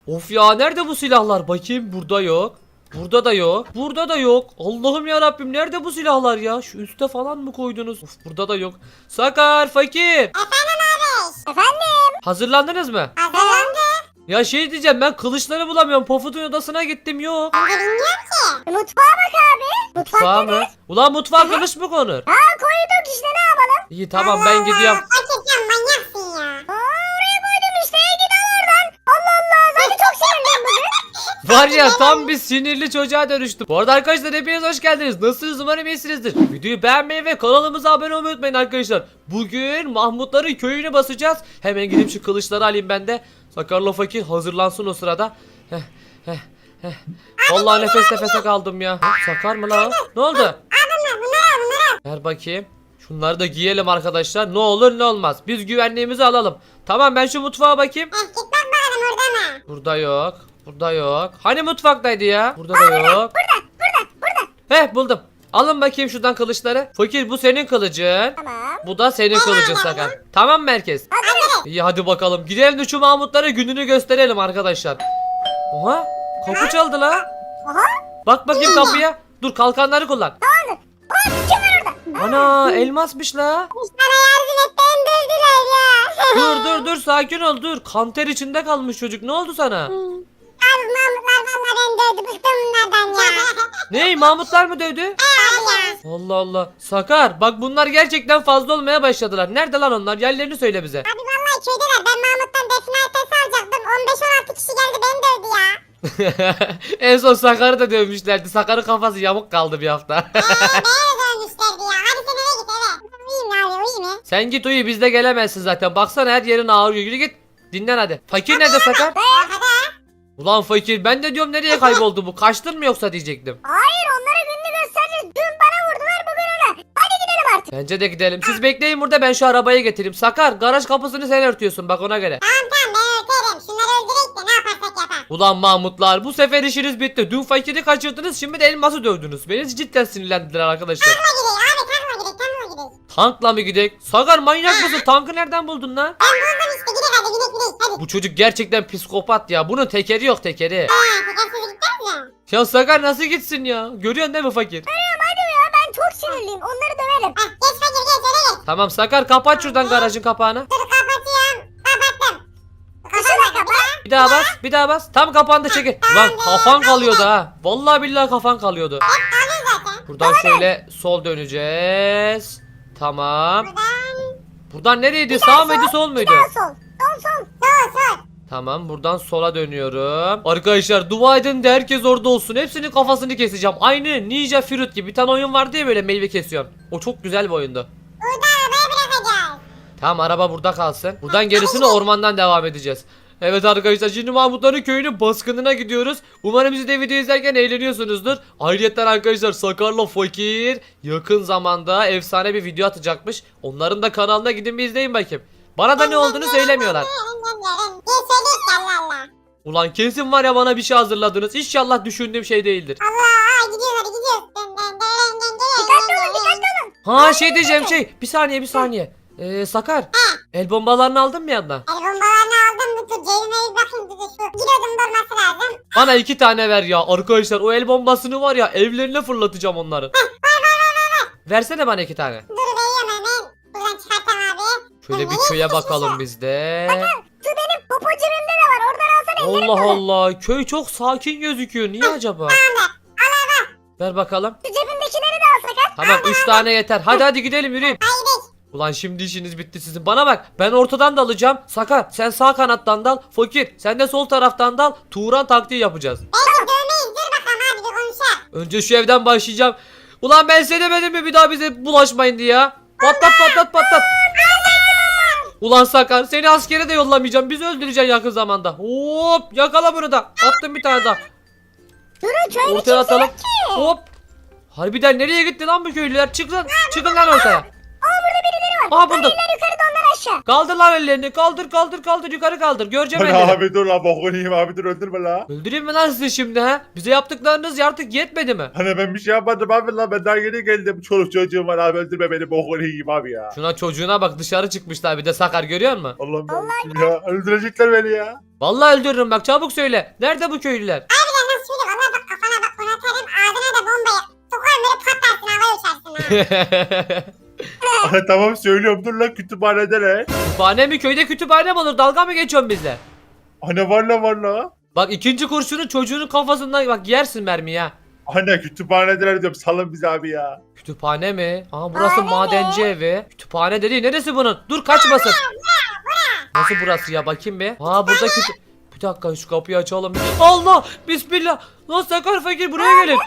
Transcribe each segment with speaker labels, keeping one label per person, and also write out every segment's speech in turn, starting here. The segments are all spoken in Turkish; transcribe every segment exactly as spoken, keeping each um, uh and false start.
Speaker 1: Of ya, nerede bu silahlar? Bakayım, burada yok. Burada da yok. Burada da yok. Allah'ım ya Rabbim, nerede bu silahlar ya? Şu üste falan mı koydunuz? Of, burada da yok. Sakar, Fakir.
Speaker 2: Efendim abi. Efendim.
Speaker 1: Hazırlandınız mı?
Speaker 2: Hazırlandı.
Speaker 1: Ya şey diyeceğim, ben kılıçları bulamıyorum. Pofud'un odasına gittim, yok.
Speaker 2: Ben de bilmiyorum ki. Mutfağa bak abi.
Speaker 1: Mutfağa mı? Ulan mutfağa kılıç mı konur?
Speaker 2: Ha koyduk işte, ne yapalım?
Speaker 1: İyi tamam, ben gidiyorum.
Speaker 2: Fakir sen manyaksın ya. Aa, oraya koydum işte. Git al oradan. Allah Allah. Zaten çok sinirliyim bugün.
Speaker 1: Var ya, tam bir sinirli çocuğa dönüştüm. Bu arada arkadaşlar, hepiniz hoş geldiniz. Nasılsınız? Umarım iyisinizdir. Videoyu beğenmeyi ve kanalımıza abone olmayı unutmayın arkadaşlar. Bugün Mahmutların köyünü basacağız. Hemen gidip şu kılıçları alayım ben de. Sakarla Fakir hazırlansın o sırada. Heh, heh, heh. Vallahi nefes nefese kaldım ya. Hop, Sakar mı lan? Ne oldu?
Speaker 2: Bunlar bunlar bunlar.
Speaker 1: Ver bakayım. Şunları da giyelim arkadaşlar. Ne olur ne olmaz. Biz güvenliğimizi alalım. Tamam, ben şu mutfağa bakayım.
Speaker 2: Eh, git bak bakalım orada mı?
Speaker 1: Burada yok. Burada yok. Hani mutfaktaydı ya? Burada da yok.
Speaker 2: Burada burada burada.
Speaker 1: Heh, buldum. Alın bakayım şuradan kılıçları. Fakir, bu senin kılıcın.
Speaker 2: Tamam.
Speaker 1: Bu da senin kılıcın Sakar. Tamam mı herkes?
Speaker 2: Hadi.
Speaker 1: İyi, hadi bakalım. Gidelim de şu Mahmutlara gününü gösterelim arkadaşlar. Oha, kapı çaldı la.
Speaker 2: Oha.
Speaker 1: Bak bakayım kapıya. Dur, kalkanları kullan.
Speaker 2: Aa, kim var orada?
Speaker 1: Ana, elmasmış la.
Speaker 2: Sana yardım et, beni dövdüler ya.
Speaker 1: Dur dur dur, sakin ol, dur. Kanter içinde kalmış çocuk. Ne oldu sana?
Speaker 2: Abi Mahmutlar valla beni dövdü, bıktım bunlardan ya.
Speaker 1: Ney, Mahmutlar mı dövdü?
Speaker 2: Abi ya.
Speaker 1: Allah Allah. Sakar, bak bunlar gerçekten fazla olmaya başladılar. Nerede lan onlar? Yerlerini söyle bize.
Speaker 2: Abi vallahi köydeler, ben Mahmut'tan define haritası alacaktım. on beş on altı kişi geldi beni dövdü ya.
Speaker 1: En son Sakar'ı da dövmüşlerdi. Sakar'ın kafası yamuk kaldı bir hafta.
Speaker 2: Eee beni dövmüşlerdi ya. Hadi sen eve git eve. Uyuyayım abi, uyuyayım ya.
Speaker 1: Sen git uyu, biz de gelemezsin zaten. Baksana, her yerin ağrıyor. Yürü git. Dinlen hadi. Fakir nerede Sakar?
Speaker 2: Hadi.
Speaker 1: Ulan Fakir, ben de diyorum nereye kayboldu bu? Kaçtın mı yoksa diyecektim.
Speaker 2: Hayır, onlara gününü göstereceğiz. Dün bana vurdular, bugün ona. Hadi gidelim artık.
Speaker 1: Bence de gidelim. Siz bekleyin burada, ben şu arabayı getireyim. Sakar, garaj kapısını sen örtüyorsun bak, ona göre.
Speaker 2: Tamam tamam, ben örterim. Şunları öldürek de ne yaparsak yapalım.
Speaker 1: Ulan Mahmutlar, bu sefer işiniz bitti. Dün Fakir'i kaçırdınız, şimdi de elması dövdünüz. Beni cidden sinirlendiler arkadaşlar.
Speaker 2: Takma gidelim abi, takma gidelim, takma gidelim.
Speaker 1: Tankla mı gidek? Sakar, manyak mısın? Tankı nereden buldun lan?
Speaker 2: Ben buldum işte, gidelim hadi, gidelim gidelim. Hadi.
Speaker 1: Bu çocuk gerçekten psikopat ya. Bunun tekeri yok, tekeri.
Speaker 2: Ha, tekersiz gideceğiz ya.
Speaker 1: Ya Sakar nasıl gitsin ya? Görüyorsun değil mi Fakir?
Speaker 2: Tamam hadi ya, ben çok sinirliyim. Onları döverim. Heh, geç fakir geç, öyle geç.
Speaker 1: Tamam Sakar, kapat şuradan garajın kapağını.
Speaker 2: Dur kapatıyorum. Kapattım. Kapat kapat.
Speaker 1: Bir daha bas, bir daha bas. Tam kapandı, çekil. Lan kafan kalıyordu ha. Vallahi billahi kafan kalıyordu.
Speaker 2: Alın zaten.
Speaker 1: Buradan şöyle sol döneceğiz. Tamam.
Speaker 2: Buradan.
Speaker 1: Buradan nereydi? Sağ mıydı, sol muydu?
Speaker 2: Sol sol. Sol sol. Sol sol.
Speaker 1: Tamam, buradan sola dönüyorum. Arkadaşlar, dua edin de herkes orada olsun. Hepsinin kafasını keseceğim. Aynı Ninja Fruit gibi bir tane oyun vardı ya, böyle meyve kesiyorsun. O çok güzel bir oyundu.
Speaker 2: Burada arabayı bırakacağız.
Speaker 1: Tamam, araba burada kalsın. Buradan gerisini ormandan devam edeceğiz. Evet arkadaşlar, şimdi Mahmutların köyünün baskınına gidiyoruz. Umarım siz de video izlerken eğleniyorsunuzdur. Ayrıca arkadaşlar, Sakar'la Fakir yakın zamanda efsane bir video atacakmış. Onların da kanalına gidin bir izleyin bakayım. Bana da ne olduğunu söylemiyorlar.
Speaker 2: Gel söyle Allah Allah.
Speaker 1: Ulan kesin var ya, bana bir şey hazırladınız. İnşallah düşündüğüm şey değildir.
Speaker 2: Allah, gidiyoruz hadi gidiyoruz. Dön, dön, dön, dön, dön, dikkatli olun dikkatli olun.
Speaker 1: Ha, şey diyeceğim, şey. Bir saniye bir saniye. Ee, Sakar. El bombalarını aldın mı yanına?
Speaker 2: El bombalarını aldım mı? Dur cebime bir bakayım, dur şu. Giriyordum, durması lazım.
Speaker 1: Bana iki tane ver ya. Arkadaşlar, o el bombasını var ya, evlerine fırlatacağım onları. Versene bana iki tane.
Speaker 2: Dur veriyorum hemen. Buradan çıkartam abi.
Speaker 1: Şöyle bir
Speaker 2: Nereye
Speaker 1: köye
Speaker 2: sıkışmış
Speaker 1: bakalım
Speaker 2: ya?
Speaker 1: biz de.
Speaker 2: Şu benim popo cebimde de var. Oradan alsana, ellerim
Speaker 1: Allah
Speaker 2: dolu.
Speaker 1: Allah. Köy çok sakin gözüküyor. Niye acaba? Ver bakalım.
Speaker 2: Şu cebimdekileri de al Sakar.
Speaker 1: Tamam, üç tane yeter. Hadi hadi gidelim, yürüyün.
Speaker 2: Haydi.
Speaker 1: Ulan şimdi işiniz bitti sizin. Bana bak, ben ortadan da alacağım. Sakar, sen sağ kanattan dal. Fakir, sen de sol taraftan dal. Turan taktiği yapacağız.
Speaker 2: Belki dövmeyiz. Dur bakalım abi, bir konuşalım.
Speaker 1: Önce şu evden başlayacağım. Ulan ben size demedim mi bir daha bize bulaşmayın diye ya? Patlat patlat patlat. Ulan Sakar, seni askere de yollamayacağım. Bizi öldüreceksin yakın zamanda. Hop, yakala bunu da. Attım bir tane daha.
Speaker 2: Durun, köyde
Speaker 1: Ortaya
Speaker 2: kimse
Speaker 1: atalım.
Speaker 2: yok ki.
Speaker 1: Hop. Harbiden nereye gitti lan bu köylüler? Çık lan. Çıkın lan ortaya.
Speaker 2: Aa, burada birileri var.
Speaker 1: Aa, buldum.
Speaker 2: Birileri yukarıda, onlar aşağı.
Speaker 1: Kaldır lan ellerini. Kaldır kaldır kaldır. Yukarı kaldır. Göreceğim
Speaker 3: Hani
Speaker 1: elleri.
Speaker 3: abi dur la bokunu yiyeyim abi dur öldürme la.
Speaker 1: Öldüreyim mi lan sizi şimdi ha? Bize yaptıklarınız artık yetmedi mi?
Speaker 3: Hani ben bir şey yapmadım abi la ben daha yeni geldim. Çoluk çocuğum var abi öldürme beni bokunu yiyeyim abi ya.
Speaker 1: Şuna çocuğuna bak, dışarı çıkmışlar bir de Sakar, görüyor musun?
Speaker 3: Allah'ım yarabbim ya öldürecekler beni ya.
Speaker 1: Vallahi öldürürüm bak, çabuk söyle. Nerede bu köylüler?
Speaker 2: Harbiden nasıl söyle valla bak kafana bak onu atarım ağzına da bombayı. Sokarım böyle patlarsın havaya uçarsın ha.
Speaker 3: Aha, tamam söylüyorum dur lan kütüphanede ne?
Speaker 1: Kütüphane mi? Köyde kütüphane mi olur? Dalga mı geçiyorsun bizle?
Speaker 3: Hani var la var la.
Speaker 1: Bak ikinci kurşunu çocuğunun kafasından bak, yersin mermiyi ha.
Speaker 3: Hani kütüphanedeler diyorum salın bizi abi ya.
Speaker 1: Kütüphane mi? Aa burası
Speaker 2: Kütüphane
Speaker 1: madenci evi. Kütüphane dedi. Neresi bunun? Dur kaçmasın. Nasıl burası ya, bakayım bir. Aa burada kütü... Bir dakika şu kapıyı açalım. Allah! Bismillah! Lan Sakar fakir buraya gelin.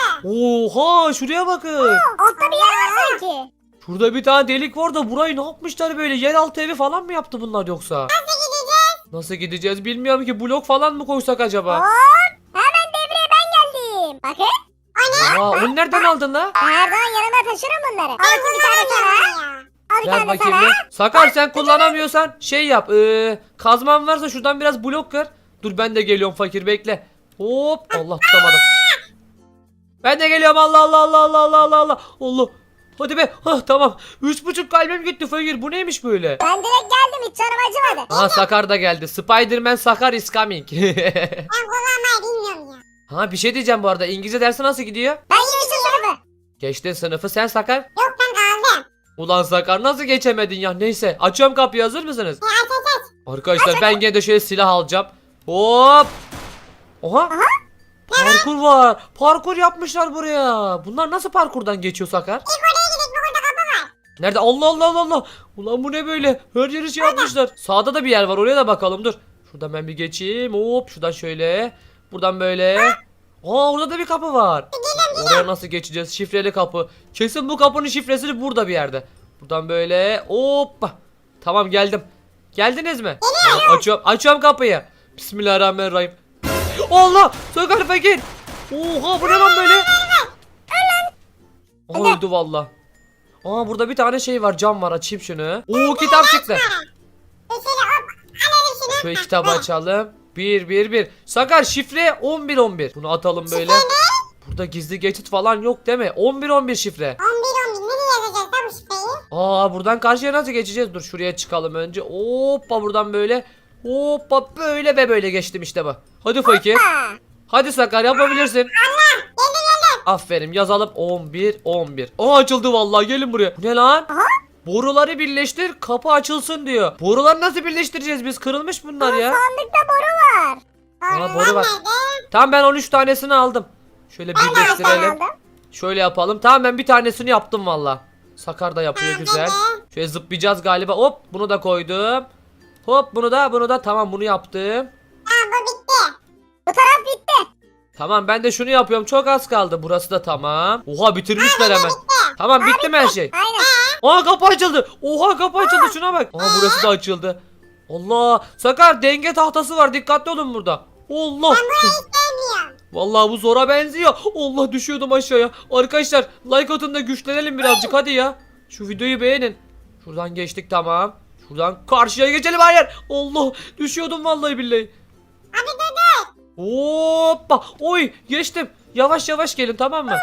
Speaker 1: Oha şuraya bakın.
Speaker 2: Altta bir yer var sanki.
Speaker 1: Şurada bir tane delik var da burayı ne yapmışlar böyle? Yeraltı evi falan mı yaptı bunlar yoksa? Nasıl gideceğiz? Nasıl gideceğiz bilmiyorum ki. Blok falan mı koysak acaba?
Speaker 2: Hop. Hemen devreye ben geldim. Bakın.
Speaker 1: Aa onu nereden aldın la?
Speaker 2: Her zaman yanıma taşırım bunları. Al bakayım bir tane sana. Al bir
Speaker 1: Ver
Speaker 2: tane
Speaker 1: bakayım
Speaker 2: sana.
Speaker 1: bir. Sakar sen kullanamıyorsan şey yap. Ee, kazman varsa şuradan biraz blok kır. Dur ben de geliyorum fakir, bekle. Hop Allah tutamadım. Ben de geliyorum, Allah Allah Allah Allah Allah Allah Allah. Allah. Hadi be. Hah tamam. Üç buçuk kalbim gitti fakir. Bu neymiş böyle?
Speaker 2: Ben direkt geldim hiç canım acımadı.
Speaker 1: Aha Sakar da geldi. Spiderman Sakar is coming.
Speaker 2: Ben kullanmayı bilmiyorum ya.
Speaker 1: Ha bir şey diyeceğim bu arada. İngilizce dersi nasıl gidiyor?
Speaker 2: Ben geçtim sınıfı.
Speaker 1: Geçtin sınıfı sen Sakar.
Speaker 2: Yok ben kaldım.
Speaker 1: Ulan Sakar nasıl geçemedin ya? Neyse açıyorum kapıyı, hazır mısınız?
Speaker 2: Ya aç aç aç.
Speaker 1: Arkadaşlar ben gene de şöyle silah alacağım. Hop. Oha. Parkur var. Parkur yapmışlar buraya. Bunlar nasıl parkurdan geçiyor Sakar?
Speaker 2: İlk oraya gidelim bak orada kapı var.
Speaker 1: Nerede? Allah Allah Allah Allah. Ulan bu ne böyle? Her yeri şey yapmışlar. Sağda da bir yer var. Oraya da bakalım. Dur. Şuradan ben bir geçeyim. Hop. Şuradan şöyle. Buradan böyle. Aa orada da bir kapı var. Oraya nasıl geçeceğiz? Şifreli kapı. Kesin bu kapının şifresi burada bir yerde. Buradan böyle. Hoppa. Tamam geldim. Geldiniz mi? Tamam, açıyorum. Açıyorum kapıyı. Bismillahirrahmanirrahim. Allah! Sakar fakir. Oha bu ne lan böyle? Aa, öldü valla. Aa burada bir tane şey var, cam var, açayım şunu. Oo kitap çıktı.
Speaker 2: Şöyle hop alalım şunu.
Speaker 1: Şöyle kitabı açalım. bir bir bir. Sakar şifre on bir on bir. Bunu atalım böyle. Burada gizli geçit falan yok değil mi? on bir on bir şifre.
Speaker 2: on bir on bir nereye yazacağız da bu şifreyi?
Speaker 1: Aa buradan karşıya nasıl geçeceğiz? Dur şuraya çıkalım önce. Hoppa buradan böyle. Hoppa böyle ve böyle geçtim işte bu. Hadi fakir.
Speaker 2: Ha.
Speaker 1: Hadi Sakar yapabilirsin.
Speaker 2: Geldim geldim.
Speaker 1: Aferin yazalım on bir on bir. Aa açıldı vallahi, gelin buraya. Bu ne lan?
Speaker 2: Aha.
Speaker 1: Boruları birleştir kapı açılsın diyor. Boruları nasıl birleştireceğiz biz? Kırılmış bunlar ya.
Speaker 2: Sandıkta boru var.
Speaker 1: Aa, boru var. Tamam ben on üç tanesini aldım. Şöyle
Speaker 2: Ben de
Speaker 1: birleştirelim.
Speaker 2: aldım.
Speaker 1: Şöyle yapalım. Tamam ben bir tanesini yaptım valla. Sakar da yapıyor güzel. Şöyle zıplayacağız galiba. Hop bunu da koydum. Hop bunu da bunu da tamam bunu yaptım.
Speaker 2: Tamam bu bitti. Bu taraf bitti.
Speaker 1: Tamam ben de şunu yapıyorum. Çok az kaldı. Burası da tamam. Oha bitirmişler hemen. Tamam bitti mi her şey?
Speaker 2: Aynen.
Speaker 1: Aa kapı açıldı. Oha kapı açıldı, şuna bak. Aa burası da açıldı. Allah. Sakar denge tahtası var. Dikkatli olun burada. Allah.
Speaker 2: Sevmiyorum.
Speaker 1: Vallahi bu zora benziyor. Allah düşüyordum aşağıya. Arkadaşlar like atın da güçlenelim birazcık hadi ya. Şu videoyu beğenin. Şuradan geçtik tamam. Şuradan karşıya geçelim, hayır. Allah düşüyordum vallahi billahi.
Speaker 2: Abi dur dur.
Speaker 1: Hoppa. Oy geçtim. Yavaş yavaş gelin tamam mı?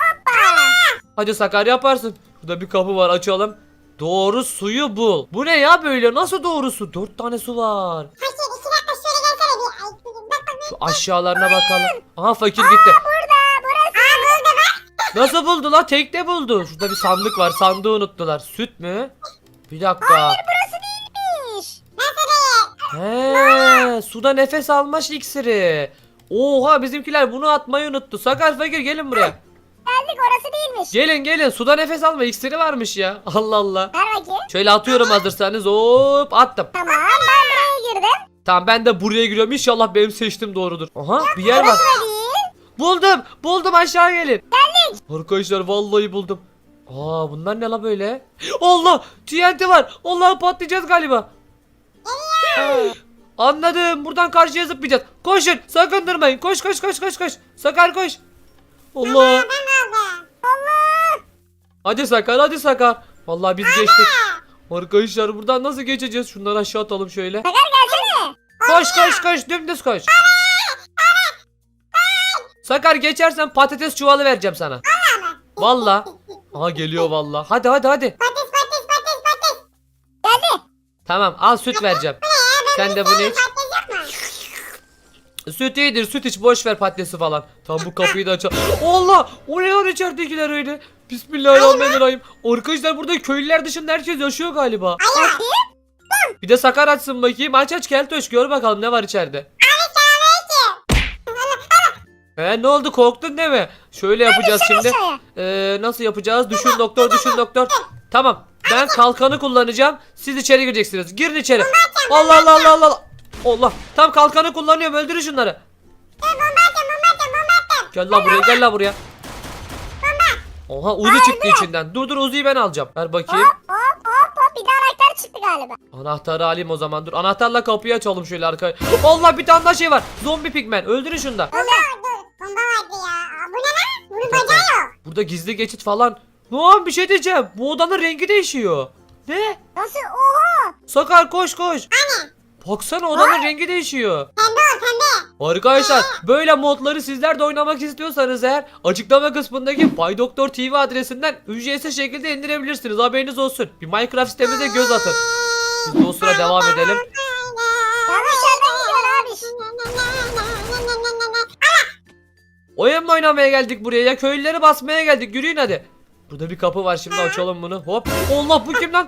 Speaker 1: Hadi Sakar yaparsın. Burada bir kapı var, açalım. Doğru suyu bul. Bu ne ya böyle? Nasıl doğru su? Dört tane su var.
Speaker 2: Fakir iki dakika şöyle gelsene bir. Ay, bak bak.
Speaker 1: Şu aşağılarına bakalım. Aha fakir gitti.
Speaker 2: Burada burası. Aa burada bak.
Speaker 1: Nasıl buldu la? Tekte buldu. Şurada bir sandık var. Sandığı unuttular. Süt mü? Bir dakika.
Speaker 2: Burası değilmiş. Nasıl değil?
Speaker 1: He, suda nefes alma iksiri. Oha bizimkiler bunu atmayı unuttu. Sakar fakir gelin buraya.
Speaker 2: Geldik orası değilmiş.
Speaker 1: Gelin gelin, suda nefes alma iksiri varmış ya. Allah Allah.
Speaker 2: Ver bakayım.
Speaker 1: Şöyle atıyorum hazırsanız. Hop attım.
Speaker 2: Tamam ben buraya girdim.
Speaker 1: Tamam ben de buraya giriyorum. İnşallah benim seçtiğim doğrudur. Aha bir yer var.
Speaker 2: Burası da değil.
Speaker 1: Buldum. Buldum, aşağı gelin. Geldik. Arkadaşlar vallahi buldum. Aa bunlar ne la böyle? Allah T N T var. Allah patlayacağız galiba. Anladım. Buradan karşıya zıplayacağız. Koşun. Sakın durmayın. Koş koş koş koş koş. Sakar koş. Allah.
Speaker 2: Ben aldım. Allah.
Speaker 1: Hadi Sakar hadi Sakar. Vallahi biz geçtik. Arkadaşlar buradan nasıl geçeceğiz? Şunları aşağı atalım şöyle.
Speaker 4: Sakar gelsene.
Speaker 1: Koş koş koş dümdüz koş. Sakar geçersen patates çuvalı vereceğim sana. Valla. Aha geliyor valla. Hadi hadi hadi.
Speaker 2: Patates patates patates patates.
Speaker 4: Geldi.
Speaker 1: Tamam al süt vereceğim. Sen de bunu iç.
Speaker 2: Patates yok mu?
Speaker 1: Süt iyidir süt iç boş ver patatesi falan. Tam bu kapıyı da açalım. Allah! O ne lan içeridekiler öyle? Bismillahirrahmanirrahim. Arkadaşlar burada köylüler dışında herkes yaşıyor galiba.
Speaker 2: Alo.
Speaker 1: Bir de Sakar açsın bakayım. Aç aç Keltoş gör bakalım ne var içeride. He ne oldu korktun değil mi? Şöyle yapacağız şimdi.
Speaker 4: Aşağıya.
Speaker 1: Ee, nasıl yapacağız? Düşün doktor düşün doktor. Tamam ben kalkanı kullanacağım. Siz içeri gireceksiniz. Girin içeri. Allah Allah Allah Allah. Allah. Tam kalkanı kullanıyorum öldürün şunları. Gel la buraya gel la buraya. Oha Uzi çıktı içinden. Dur dur Uzi'yi ben alacağım. Ver bakayım.
Speaker 4: Hop hop hop hop. Bir de anahtar çıktı galiba.
Speaker 1: Anahtarı alayım o zaman dur. Anahtarla kapıyı açalım şöyle arkaya. Allah bir tane daha şey var. Zombi pigmen. Öldürün şunu da.
Speaker 2: Dur dur. Bomba vardı ya. Aa, bu ne lan? Bunun bacağı yok.
Speaker 1: Burada gizli geçit falan. Lan bir şey diyeceğim. Bu odanın rengi değişiyor. Ne?
Speaker 4: Nasıl? Oha.
Speaker 1: Sakar koş koş. Baksana odanın rengi değişiyor.
Speaker 2: Pembe ol pembe.
Speaker 1: Arkadaşlar böyle modları sizler de oynamak istiyorsanız eğer açıklama kısmındaki Bay Doktor T V adresinden ücretsiz şekilde indirebilirsiniz. Haberiniz olsun. Bir Minecraft sitemize göz atın. Biz de o sıra devam edelim.
Speaker 4: Yanlış yerden gidiyor abi.
Speaker 1: Oyun mu oynamaya geldik buraya ya? Köylüleri basmaya geldik. Yürüyün hadi. Burada bir kapı var şimdi açalım bunu. Hop. Allah bu kim lan?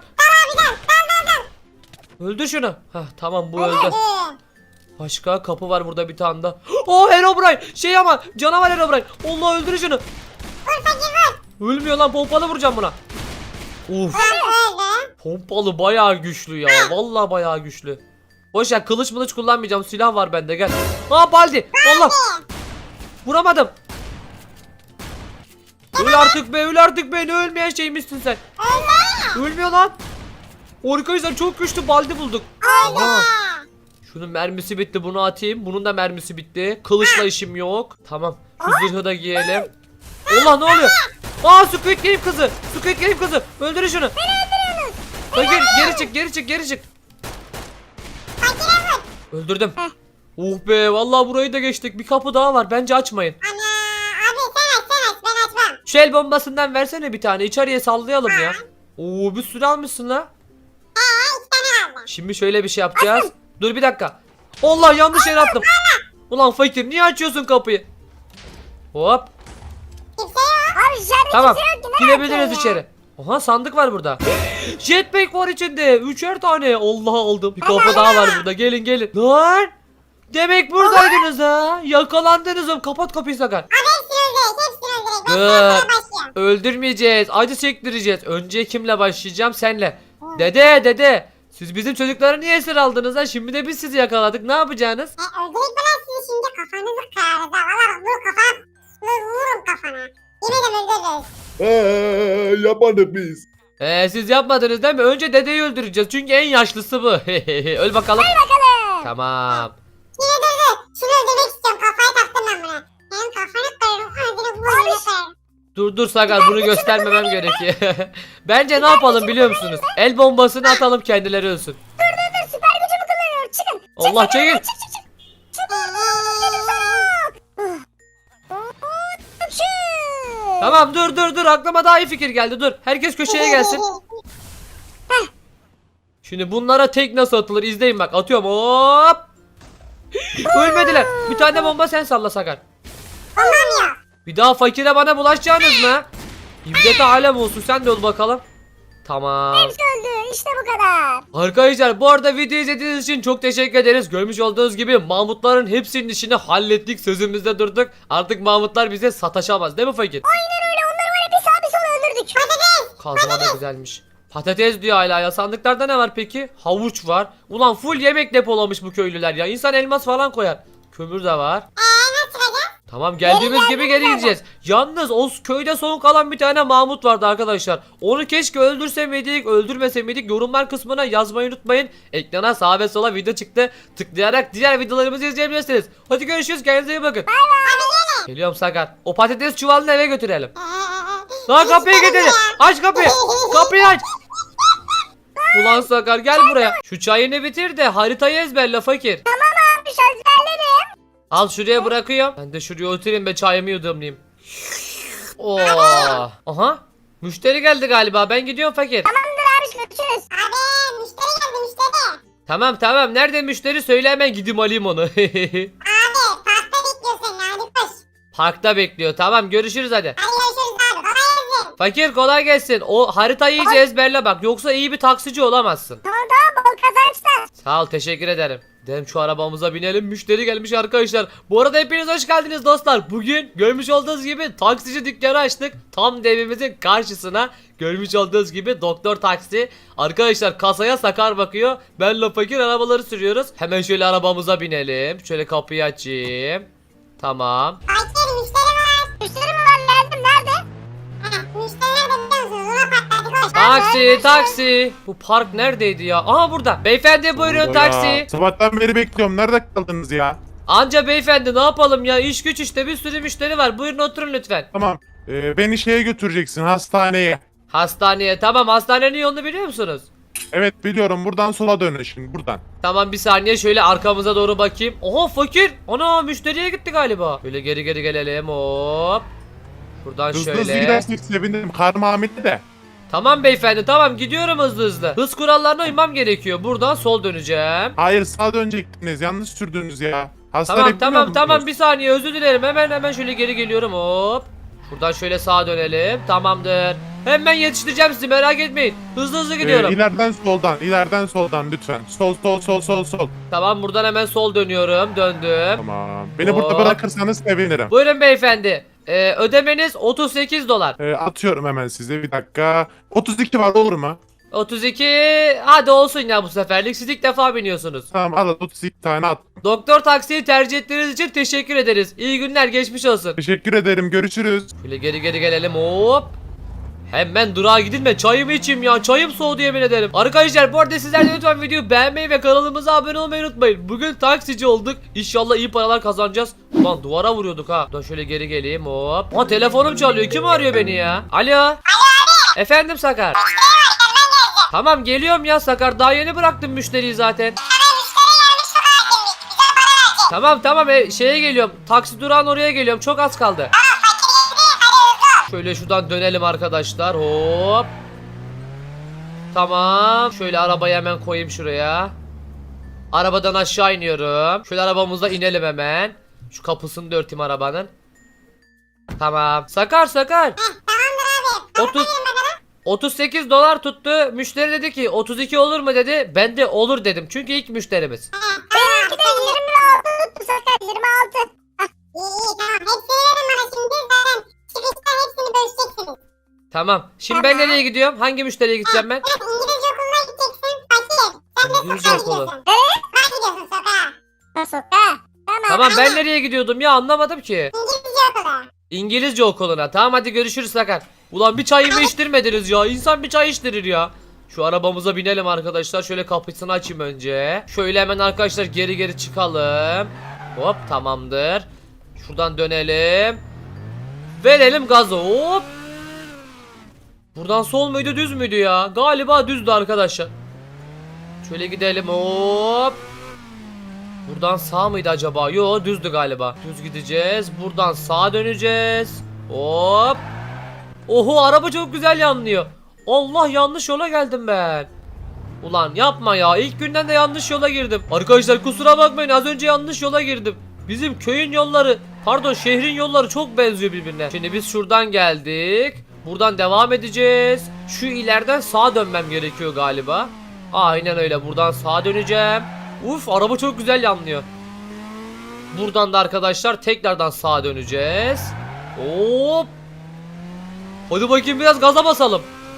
Speaker 1: Öldür şunu. Hah tamam bu öldü. Başka kapı var burada bir tane daha. Oh Herobrine. Şey ama canavar Herobrine. Allah öldür şunu. Ölmüyor lan pompalı vuracağım buna. Uf. Pompalı bayağı güçlü ya. Vallahi bayağı güçlü. Boş ver kılıç mılıç kullanmayacağım. Silah var bende gel. Aa Baldi. Allah. Vuramadım. Öl artık be öl artık be. Ne ölmeyen şeymişsin sen. Ölmüyor lan. Arkadaşlar çok güçlü Baldi bulduk. Aha. Şunun mermisi bitti bunu atayım. Bunun da mermisi bitti. Kılıçla işim yok. Tamam. Şu zırhı da giyelim. Allah ne oluyor? Aa Squid Game kızı. Squid Game kızı. Öldürün şunu. Beni öldürüyorsunuz. Geri, geri çık geri çık geri çık. Öldürdüm. Oh be vallahi burayı da geçtik. Bir kapı daha var. Bence açmayın.
Speaker 2: Ana abi sen aç sen aç ben açmam.
Speaker 1: Şu el bombasından versene bir tane. İçeriye sallayalım ya. Oo bir sürü almışsın la.
Speaker 2: İki tane aldım.
Speaker 1: Şimdi şöyle bir şey yapacağız. Dur bir dakika. Allah yanlış yere attım. Ulan fakir niye açıyorsun kapıyı? Hop.
Speaker 2: Kimse yok.
Speaker 4: Abi içeride
Speaker 1: Tamam.
Speaker 4: kimse yok ki. Ne
Speaker 1: Girebiliriz
Speaker 4: yapıyorsun ya?
Speaker 1: içeri. Aha sandık var burada. Jetpack var içinde. Üçer tane. Allah aldım. Bir kapı daha var burada. Gelin gelin. Lan. Demek buradaydınız ha. Yakalandınız oğlum. Kapat kapıyı Sakar.
Speaker 2: Abi hepsini öldürek hepsini öldürek. Ben
Speaker 1: Dur.
Speaker 2: sana başlıyorum.
Speaker 1: Öldürmeyeceğiz. Acı çektireceğiz. Önce kimle başlayacağım? Senle. Dede dede. Siz bizim çocukları niye esir aldınız ha? Şimdi de biz sizi yakaladık. Ne yapacaksınız?
Speaker 2: E, öldürek bana sizi şimdi kafanızı kırarız ha. Valla bak vur kafana. Vur, vururum kafana. Yemin ederim öldürürüz.
Speaker 3: Eee yapmadık biz.
Speaker 1: Ee, siz yapmadınız değil mi? Önce dedeyi öldüreceğiz. Çünkü en yaşlısı bu. Öl bakalım.
Speaker 4: Bakalım.
Speaker 1: Tamam.
Speaker 2: Yine dur dur. Şunu öldürmek istiyorum. Kafayı taktım ben buna. Hem kafanı kırarım. Öldürüp vurunu kırarım.
Speaker 1: Dur dur Sakar bunu göstermemem gerekiyor. Bence ne yapalım biliyor musunuz? El bombasını atalım kendileri ölsün.
Speaker 4: Dur dur dur süper gücümü kullanıyorum. Çıkın. Çık,
Speaker 1: Allah
Speaker 4: çık,
Speaker 1: çekil.
Speaker 4: Çık çık çık. Çık dedim sana. Çık.
Speaker 1: Tamam dur dur dur aklıma daha iyi fikir geldi dur. Herkes köşeye gelsin. Şimdi bunlara tek nasıl atılır izleyin bak atıyorum hop. Ölmediler. Bir tane bomba sen salla Sakar.
Speaker 2: Olmamıyor.
Speaker 1: Bir daha fakire bana bulaşacaksınız mı? İbrete alem olsun sen de öl bakalım. Tamam.
Speaker 4: Hepsi öldü. İşte bu kadar.
Speaker 1: Arkadaşlar bu arada video izlediğiniz için çok teşekkür ederiz. Görmüş olduğunuz gibi Mahmutların hepsinin işini hallettik. Sözümüzde durduk. Artık Mahmutlar bize sataşamaz değil mi fakir?
Speaker 4: Aynen öyle. Onları var ya bir sağ bir sola öldürdük.
Speaker 1: Kazma da güzelmiş. Patates diyor hala ya. Sandıklarda ne var peki? Havuç var. Ulan full yemek depolamış bu köylüler ya. İnsan elmas falan koyar. Kömür de var.
Speaker 2: Eee nasıl çıkacağız?
Speaker 1: Tamam geldiğimiz gibi geri gideceğiz. Yalnız o köyde son kalan bir tane Mahmut vardı arkadaşlar. Onu keşke öldürse miydik, öldürmese miydik? Yorumlar kısmına yazmayı unutmayın. Ekrana sağa ve sola video çıktı. Tıklayarak diğer videolarımızı izleyebilirsiniz. Hadi görüşürüz. Kendinize iyi bakın. Geliyorum Sakar. O patates çuvalını eve götürelim. Lan kapıyı getirin. Aç kapıyı. Kapıyı aç. Ulan Sakar gel buraya. Şu çayını bitir de haritayı ezberle fakir.
Speaker 4: Abi sözlerlerim.
Speaker 1: Al şuraya bırakıyorum. Ben de şuraya oturayım ve çayımı yudumlayayım. Oo. Aha. Müşteri geldi galiba. Ben gidiyorum fakir.
Speaker 4: Tamamdır abi görüşürüz.
Speaker 2: Abi müşteri geldi müşteri.
Speaker 1: Tamam tamam. Nerede müşteri söyle hemen gideyim alayım onu.
Speaker 2: Abi pasta bekliyor seni hadi koş.
Speaker 1: Parkta bekliyor. Tamam görüşürüz hadi.
Speaker 2: Hadi görüşürüz abi. Kolay gelsin.
Speaker 1: Fakir kolay gelsin. O haritayı iyice ezberle bak. Yoksa iyi bir taksici olamazsın.
Speaker 4: Tamam tamam bol kazançlar.
Speaker 1: Sağ ol teşekkür ederim. Gidelim şu arabamıza binelim. Müşteri gelmiş arkadaşlar. Bu arada hepiniz hoş geldiniz dostlar. Bugün görmüş olduğunuz gibi taksici dükkanı açtık. Tam da evimizin karşısına. Görmüş olduğunuz gibi doktor taksi. Arkadaşlar kasaya Sakar bakıyor. Benle fakir arabaları sürüyoruz. Hemen şöyle arabamıza binelim. Şöyle kapıyı açayım. Tamam.
Speaker 2: Fakir müşteri var.
Speaker 4: Müşteri mi var geldim nerede?
Speaker 2: Ha, müşteri nerede biliyor musunuz? Luna Park'ta hadi koş.
Speaker 1: Taksi taksi. Bu park neredeydi ya? Aha burada. Beyefendi buyurun
Speaker 3: Ya,
Speaker 1: taksi.
Speaker 3: sabahtan beri bekliyorum. Nerede kaldınız ya?
Speaker 1: Anca beyefendi ne yapalım ya? İş güç işte bir sürü müşteri var. Buyurun oturun lütfen.
Speaker 3: Tamam. Ee, beni şeye götüreceksin, hastaneye.
Speaker 1: Hastaneye tamam hastanenin yolunu biliyor musunuz?
Speaker 3: Evet biliyorum. Buradan sola dönün şimdi. Buradan.
Speaker 1: Tamam bir saniye şöyle arkamıza doğru bakayım. Oha fakir. Ana müşteriye gitti galiba. Böyle geri geri gelelim hop. Buradan
Speaker 3: Hızlı hızlı
Speaker 1: şöyle.
Speaker 3: gidersek sevinirim. Karnım hamile de.
Speaker 1: Tamam beyefendi tamam gidiyorum hızlı hızlı. Hız kurallarına uymam gerekiyor. Buradan sol döneceğim.
Speaker 3: Hayır sağa dönecektiniz. Yanlış sürdünüz ya. Hastane
Speaker 1: Tamam
Speaker 3: bilmiyor
Speaker 1: tamam
Speaker 3: musunuz?
Speaker 1: tamam bir saniye özür dilerim. Hemen hemen şöyle geri geliyorum hop. Şuradan şöyle sağa dönelim. Tamamdır. Hemen yetiştireceğim sizi merak etmeyin. Hızlı hızlı gidiyorum.
Speaker 3: Ee, ileriden soldan, ileriden soldan lütfen. Sol sol sol sol sol.
Speaker 1: Tamam buradan hemen sol dönüyorum. Döndüm.
Speaker 3: Tamam. Beni burada
Speaker 1: Hop.
Speaker 3: bırakırsanız sevinirim.
Speaker 1: Buyurun beyefendi. Ee, ödemeniz otuz sekiz dolar.
Speaker 3: Ee, atıyorum hemen size bir dakika. otuz iki var olur mu?
Speaker 1: otuz iki hadi olsun ya bu seferlik siz ilk defa biniyorsunuz.
Speaker 3: Tamam al otuz iki tane at.
Speaker 1: Doktor taksiyi tercih ettiğiniz için teşekkür ederiz. İyi günler geçmiş olsun.
Speaker 3: Teşekkür ederim. Görüşürüz.
Speaker 1: Şöyle geri geri gelelim hop. Hemen durağa gidilme çayımı içeyim ya çayım soğudu yemin ederim. Arkadaşlar bu arada sizler de lütfen videoyu beğenmeyi ve kanalımıza abone olmayı unutmayın. Bugün taksici olduk. İnşallah iyi paralar kazanacağız. Ulan duvara vuruyorduk ha. Dur şöyle geri geleyim hop. Ha telefonum çalıyor kim arıyor beni ya? Alo. Alo abi. Efendim Sakar. Tamam geliyorum ya Sakar daha yeni bıraktım müşteriyi zaten. Tamam tamam e, şeye geliyorum. Taksi durağın oraya geliyorum. Çok az kaldı. Şöyle şuradan dönelim arkadaşlar. Hop. Tamam. Şöyle arabayı hemen koyayım şuraya. Arabadan aşağı iniyorum. Şöyle arabamıza inelim hemen. Şu kapısını da örteyim arabanın. Tamam. Sakar Sakar. otuz otuz sekiz dolar tuttu. Müşteri dedi ki otuz iki olur mu dedi. Ben de olur dedim. Çünkü ilk müşterimiz.
Speaker 4: Benimki de yirmi altı tuttu Sakar yirmi altı.
Speaker 2: İyi iyi tamam. Hepsini verin bana şimdi. Zaten çıkışta hepsini bölüşeceksiniz.
Speaker 1: Tamam. Şimdi ben nereye gidiyorum? Hangi müşteriye gideceğim ben?
Speaker 2: Evet İngilizce okuluna gideceksin. Fakir. Sen de
Speaker 1: İngilizce
Speaker 2: sokağa
Speaker 1: okulu.
Speaker 2: gidiyorsun. Sokağa gidiyorsun sokağa.
Speaker 4: Ha sokağa. Tamam.
Speaker 1: Tamam ben nereye gidiyordum ya anlamadım ki.
Speaker 2: İngilizce okulu.
Speaker 1: İngilizce okuluna. Tamam hadi görüşürüz Sakar. Ulan bir çayımı içtirmediniz ya. İnsan bir çay içtirir ya. Şu arabamıza binelim arkadaşlar. Şöyle kapısını açayım önce. Şöyle hemen arkadaşlar geri geri çıkalım. Hop tamamdır. Şuradan dönelim. Verelim gazı hop. Buradan sol muydu düz müydü ya? Galiba düzdü arkadaşlar. Şöyle gidelim hop. Buradan sağ mıydı acaba? Yo düzdü galiba. Düz gideceğiz. Buradan sağa döneceğiz. Hop. Oho araba çok güzel yanlıyor. Allah yanlış yola geldim ben. Ulan yapma ya. İlk günden de yanlış yola girdim. Arkadaşlar kusura bakmayın az önce yanlış yola girdim. Bizim köyün yolları pardon şehrin yolları çok benziyor birbirine. Şimdi biz şuradan geldik. Buradan devam edeceğiz. Şu ileriden sağa dönmem gerekiyor galiba. Aynen öyle buradan sağa döneceğim. Uf araba çok güzel yanlıyor. Buradan da arkadaşlar tekrardan sağa döneceğiz. Hop. Hadi bakayım biraz gaza basalım.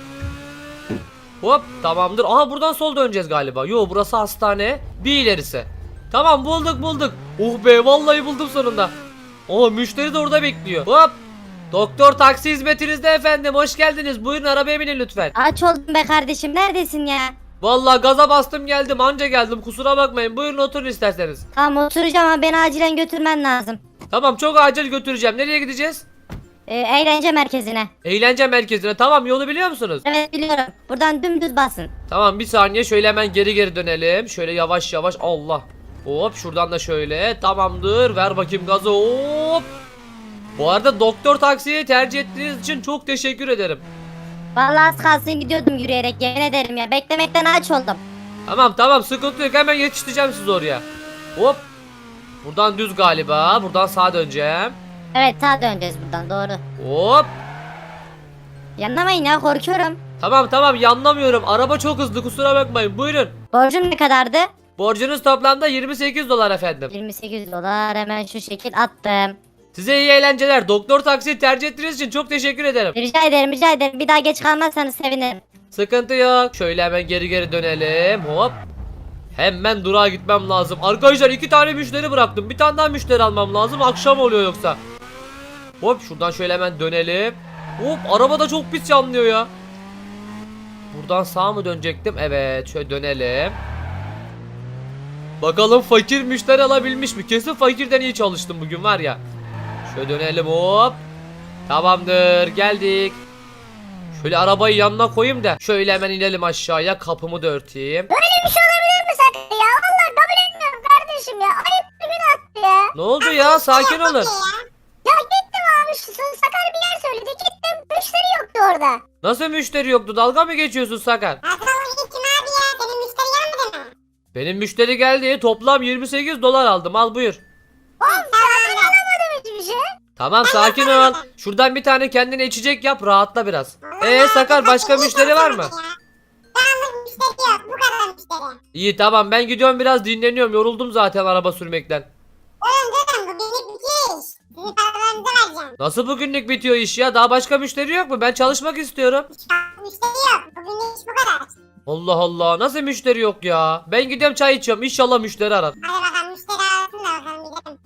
Speaker 1: Hop tamamdır. Aha buradan sol döneceğiz galiba. Yo burası hastane. Bir ilerisi. Tamam bulduk bulduk. Oh be vallahi buldum sonunda. Oha müşteri de orada bekliyor. Hop. Doktor taksi hizmetinizde efendim. Hoş geldiniz. Buyurun arabaya binin lütfen.
Speaker 4: Aç oldum be kardeşim neredesin ya?
Speaker 1: Vallahi gaza bastım geldim anca geldim kusura bakmayın buyurun oturun isterseniz.
Speaker 4: Tamam oturacağım ama beni acilen götürmen lazım.
Speaker 1: Tamam çok acil götüreceğim nereye gideceğiz?
Speaker 4: Ee, eğlence merkezine.
Speaker 1: Eğlence merkezine. Tamam, yolu biliyor musunuz?
Speaker 4: Evet biliyorum. Buradan dümdüz basın.
Speaker 1: Tamam, bir saniye şöyle hemen geri geri dönelim. Şöyle yavaş yavaş. Allah. Hop, şuradan da şöyle. Tamamdır. Ver bakayım gazı. Hop. Bu arada doktor taksiyi tercih ettiğiniz için çok teşekkür ederim.
Speaker 4: Vallahi az kalsın gidiyordum yürüyerek, yemin ederim ya. Beklemekten aç oldum.
Speaker 1: Tamam tamam, sıkıntı yok, hemen yetiştireceğim sizi oraya. Hop. Buradan düz galiba. Buradan sağa döneceğim.
Speaker 4: Evet, sağa döneceğiz buradan, doğru.
Speaker 1: Hop.
Speaker 4: Yanlamayın ya, korkuyorum.
Speaker 1: Tamam tamam, yanlamıyorum. Araba çok hızlı, kusura bakmayın. Buyurun.
Speaker 4: Borcum ne kadardı?
Speaker 1: Borcunuz toplamda yirmi sekiz dolar efendim.
Speaker 4: yirmi sekiz dolar, hemen şu şekil attım.
Speaker 1: Size iyi eğlenceler. Doktor taksiyi tercih ettiğiniz için çok teşekkür ederim.
Speaker 4: Rica ederim, rica ederim. Bir daha geç kalmazsanız sevinirim.
Speaker 1: Sıkıntı yok. Şöyle hemen geri geri dönelim. Hop. Hemen durağa gitmem lazım. Arkadaşlar iki tane müşteri bıraktım. Bir tane daha müşteri almam lazım. Akşam oluyor yoksa. Hop, şuradan şöyle hemen dönelim. Hop, araba da çok pis yanlıyor ya. Buradan sağa mı dönecektim? Evet, şöyle dönelim. Bakalım fakir müşteri alabilmiş mi? Kesin fakirden iyi çalıştım bugün var ya. Şöyle dönelim, hop. Tamamdır, geldik. Şöyle arabayı yanına koyayım da şöyle hemen inelim aşağıya, kapımı da örteyim.
Speaker 4: Böyle bir şey olabilir mi sakın ya? Vallahi kabul etmiyorum kardeşim ya. Ayıp bir gün attı ya.
Speaker 1: Ne oldu ya? Sakin olun.
Speaker 4: Ya gittim abi, şu Sakar bir yer söyledi. Gittim, müşteri yoktu orada.
Speaker 1: Nasıl müşteri yoktu? Dalga mı geçiyorsun Sakar?
Speaker 2: Nasıl gittin abi ya? Senin müşteri gelmedi mi?
Speaker 1: Benim müşteri geldi. Toplam yirmi sekiz dolar aldım. Al buyur.
Speaker 4: Oğlum ben alamadım hiçbir şey.
Speaker 1: Tamam, sakin ol. Şuradan bir tane kendine içecek yap, rahatla biraz. Eee Sakar, başka müşteri var mı?
Speaker 2: Yalnız müşteri yok. Bu kadar müşteri.
Speaker 1: İyi tamam, ben gidiyorum, biraz dinleniyorum. Yoruldum zaten araba sürmekten.
Speaker 2: Oğlum dedim bu birlik bitiyor iş. Sizin paralarınızı vereceğim.
Speaker 1: Nasıl bugünlük bitiyor iş ya? Daha başka müşteri yok mu? Ben çalışmak istiyorum.
Speaker 2: Müşteri yok. Bugünlük iş bu kadar.
Speaker 1: Allah Allah, nasıl müşteri yok ya? Ben gidiyorum çay içiyorum. İnşallah müşteri arar.
Speaker 2: Hadi bakalım müşteri arasın da bakalım gidelim.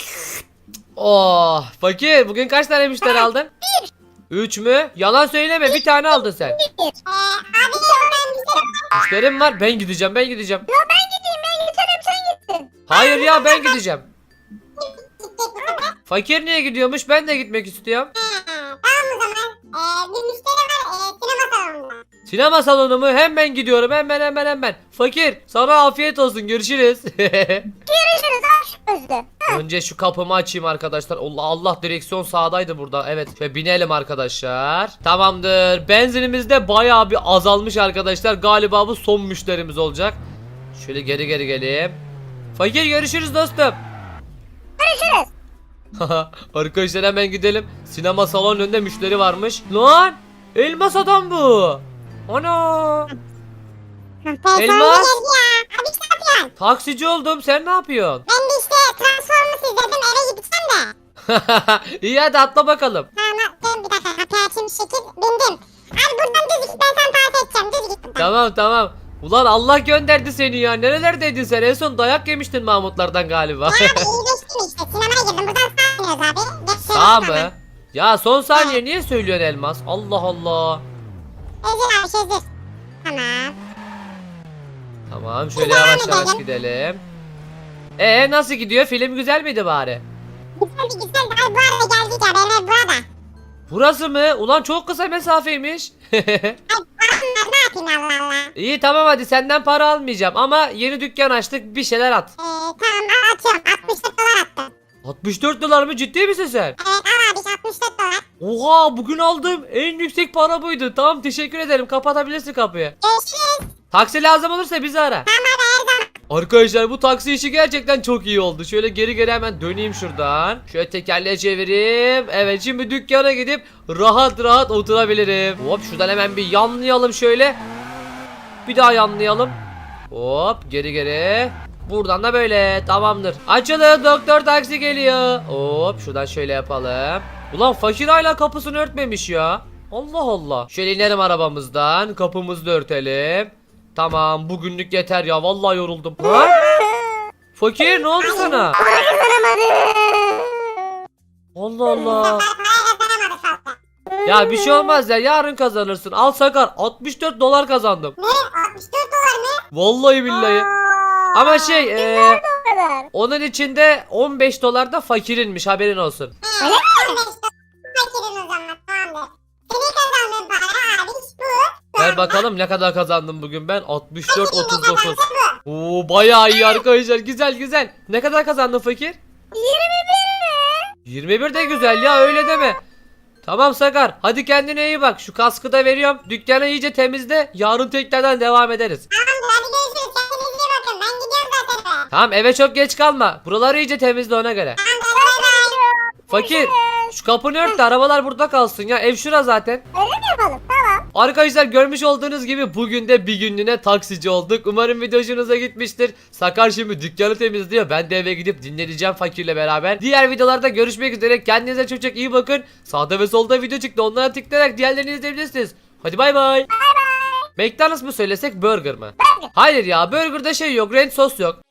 Speaker 1: Oh fakir, bugün kaç tane müşteri aldın? Üç mü? Yalan söyleme, bir tane aldın sen.
Speaker 2: Eee abi oradan müşteri
Speaker 1: Müşterim var, ben gideceğim ben gideceğim.
Speaker 4: Ya ben gideyim, ben giderim, sen gittin.
Speaker 1: Hayır ya, ben gideceğim.
Speaker 2: gidecek bu sefer.
Speaker 1: Fakir niye gidiyormuş? Ben de gitmek istiyorum.
Speaker 2: He, tamam o zaman. Eee bir müşteri var eee sinema salonunda.
Speaker 1: Sinema salonu mu? Hemen gidiyorum, hemen hemen hemen. Fakir, sana afiyet olsun, görüşürüz.
Speaker 4: Görüşürüz aşk gözlü.
Speaker 1: Önce şu kapımı açayım arkadaşlar. Allah Allah, direksiyon sağdaydı burada. Evet, şöyle binelim arkadaşlar. Tamamdır. Benzinimiz de bayağı bir azalmış arkadaşlar. Galiba bu son müşterimiz olacak. Şöyle geri geri geleyim. Fakir, görüşürüz dostum.
Speaker 4: Görüşürüz.
Speaker 1: Arkadaşlar hemen gidelim. Sinema salonun önünde müşteri varmış. Lan! Elmas adam bu. Ana!
Speaker 2: Telefonu
Speaker 1: Elmas.
Speaker 2: geldi ya. Abi ne yapıyorsun?
Speaker 1: Taksici oldum. Sen ne yapıyorsun?
Speaker 2: Ben de işte Transformers izledim eve gideceğim de.
Speaker 1: İyi, hadi atla bakalım.
Speaker 2: Tamam ben bir dakika kapıyı açayım şekil bindim. Abi buradan düz git ben sana tarif edeceğim düz git buradan.
Speaker 1: Tamam tamam. Ulan Allah gönderdi seni ya. Nerelerdeydin sen? En son dayak yemiştin Mahmutlardan galiba.
Speaker 2: Ya abi iyileştim işte sinemaya girdim buradan sağ iniyoruz abi. Geç şöyle
Speaker 1: Sağ
Speaker 2: hemen.
Speaker 1: mı? Ya son saniye niye söylüyorsun Elmas? Allah Allah.
Speaker 2: Ezir abi şezir. Tamam.
Speaker 1: Tamam, şöyle
Speaker 2: Güzel
Speaker 1: yavaş yavaş
Speaker 2: gidelim.
Speaker 1: gidelim. Ee nasıl gidiyor? Film güzel miydi bari?
Speaker 2: Güzeldi güzeldi abi bu arada geldik ya benim ev burada.
Speaker 1: Burası mı? Ulan çok kısa mesafeymiş.
Speaker 2: Abi aslında ne yapayım Allah Allah.
Speaker 1: İyi tamam, hadi senden para almayacağım ama yeni dükkan açtık, bir şeyler at.
Speaker 2: Ee, tamam al atıyorum altmış dört dolar attım.
Speaker 1: altmış dört dolar mı? Ciddi misin sen?
Speaker 2: Evet al abi altmış dört dolar.
Speaker 1: Oha, bugün aldığım en yüksek para buydu. Tamam, teşekkür ederim, kapatabilirsin kapıyı.
Speaker 2: Görüşürüz.
Speaker 1: Taksi lazım olursa bizi ara.
Speaker 2: Tamam abi her zaman.
Speaker 1: Arkadaşlar bu taksi işi gerçekten çok iyi oldu. Şöyle geri geri hemen döneyim şuradan. Şöyle tekerleği çevireyim. Evet, şimdi dükkana gidip rahat rahat oturabilirim. Hop, şuradan hemen bir yanlayalım şöyle. Bir daha yanlayalım. Hop, geri geri. Buradan da böyle, tamamdır. Açılın, doktor taksi geliyor. Hop, şuradan şöyle yapalım. Ulan fakir hala kapısını örtmemiş ya. Allah Allah. Şöyle inelim arabamızdan. Kapımızı da örtelim. Tamam, bugünlük yeter ya, vallahi yoruldum. Ha? Fakir, ne oldu sana? Allah Allah.
Speaker 2: Para kazanamadık fazla.
Speaker 1: Ya bir şey olmaz ya, yarın kazanırsın. Al Sakar, altmış dört dolar kazandım.
Speaker 2: Ne? altmış dört dolar mı?
Speaker 1: Vallahi billahi.
Speaker 2: Oo.
Speaker 1: Ama şey e,
Speaker 4: Bu kadar.
Speaker 1: onun içinde on beş dolar da fakirinmiş, haberin olsun.
Speaker 2: He, on beş dolar. Fakirin
Speaker 1: Ver bakalım ne kadar kazandım bugün ben. altmış dört otuz dokuz. Oo bayağı iyi arkadaşlar. Güzel güzel. Ne kadar kazandın fakir?
Speaker 4: yirmi bir mi?
Speaker 1: yirmi bir de güzel ya, öyle deme. Tamam Sakar, hadi kendine iyi bak. Şu kaskı da veriyorum. Dükkanı iyice temizle. Yarın tekrardan devam ederiz.
Speaker 2: Tamamdır hadi görüşürüz. Kendinize iyi bakın. Ben gidiyorum zaten eve.
Speaker 1: Tamam, eve çok geç kalma. Buraları iyice temizle ona göre.
Speaker 2: Tamamdır bay bay.
Speaker 1: Fakir, şu kapını ört de arabalar burada kalsın ya. Ev şura zaten.
Speaker 4: Öyle mi yapalım? Tamam.
Speaker 1: Arkadaşlar görmüş olduğunuz gibi bugün de bir günlüğüne taksici olduk. Umarım video hoşunuza gitmiştir. Sakar şimdi dükkanı temizliyor. Ben de eve gidip dinleneceğim fakirle beraber. Diğer videolarda görüşmek üzere. Kendinize çok çok iyi bakın. Sağda ve solda video çıktı. Onlara tıklayarak diğerlerini izleyebilirsiniz. Hadi bay bay. McDonald's mı söylesek, burger mı?
Speaker 4: Burger.
Speaker 1: Hayır ya, burgerda şey yok, ranch sos yok.